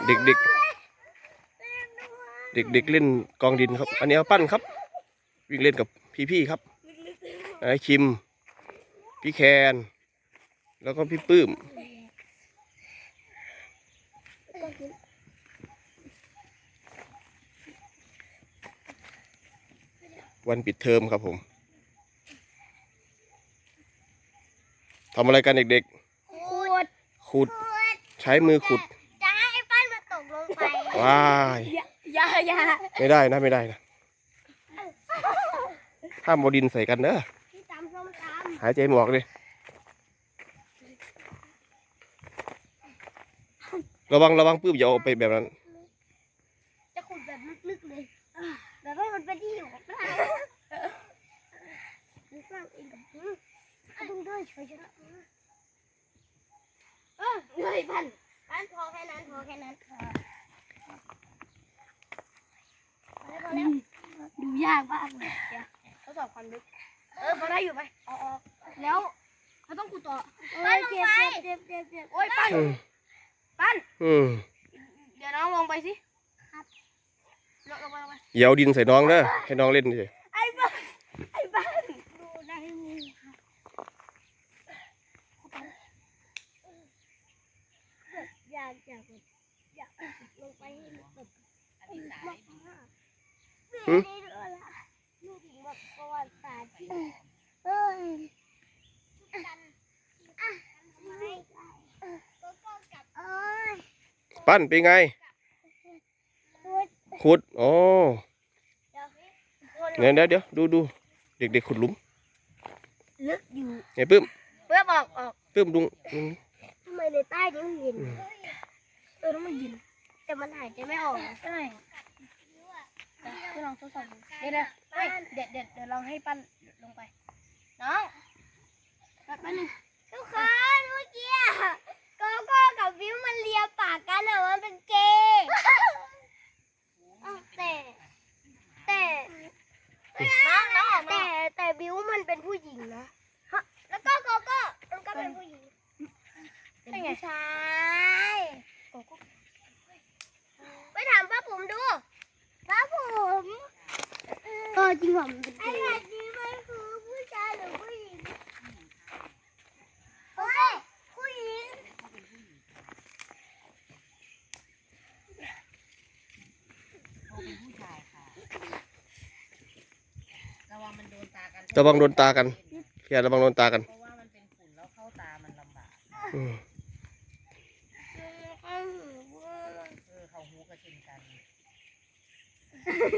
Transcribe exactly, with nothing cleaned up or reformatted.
เด็กๆเด็กๆเล่นกองดินครับอันนี้เอาปั้นครับวิ่งเล่นกับพี่ๆครับไอ้คิมพี่แคนแล้วก็พี่ปื้มวันปิดเทอมครับผมทำอะไรกันเด็กๆขุดขุดใช้มือขุดจะให้ปั้นมาตกลงไปว้ายอย่าอย่าไม่ได้นะไม่ได้นะห้ามบดินใส่กันเด้อหายใจหมอกเลยระวังระวังปื้มอย่าเอาไปแบบนั้นจะขุดแบบลึกๆเลยแบบว่ามันเป็นที่อยู่ของเราดูสร้างเองกับมึงมึงด้วยช่วยฉันเออเหนื่อยพันพันพอแค่นั้นพอแค่นั้นพอแล้วดูยากมากเลยเดี๋ยวทดสอบความลึกเออพอได้อยู่ไหมออกแล้วเราต้องขุดต่อปั้นลงไปเจ็บเจ็บเจ็บโอ้ยปั้นปั้นเดี๋ยวน้องลงไปสิครับลงลงไปลงไปอย่าเอาดินใส่น้องเด้อให้น้องเล่นเฉยไอ้บ้านไอ้บ้านดูได้มีครับอยากอยากอยากลงไปให้แบบมากมากไม่ได้ด้วยละลูกถึงแบบประวัติศาสตร์ที่เอ้ยกันอ่ะทำไมก็ก็กับเอ้ยปั้นเป็นไงขุดอ๋อเดี๋ยวเดี๋ยวเดี๋ยวดูดูเด็กๆขุดหลุมลึกอยู่ไอ้ปื้มเพื่อบอกออกปื้มดุงทำไมในใต้นี้มันเย็นเออแล้วมันเย็นแต่มันหายใจไม่ออกใช่คือลองทดสอบดูเดี๋ยวเดี๋ยวเดี๋ยวเดี๋ยวลองให้ปั้นลงไปน้องแป๊บนึงทุกคนเมื่อกี้โกโก้กับวิวมันเลียปากกันอะมันเป็นเกย์แต่แต่น้องน้องแต่แต่วิวมันเป็นผู้หญิงนะแล้วก็โกโก้มันก็เป็นผู้หญิงเป็นผู้ชายโกโก้ไปถามป้าผมดูป้าผมเออจริงผมไอ้แบบนี้มันคือผู้ชายหรือผู้หญิงโอ้ยผู้หญิงเป็นผู้ชายค่ะระวังมันโดนตากันระวังโดนตากันพี่ระวังโดนตากันเพราะว่ามันเป็นฝุ่นแล้วเข้าตามันลำบากเออเขาหูกระชินกัน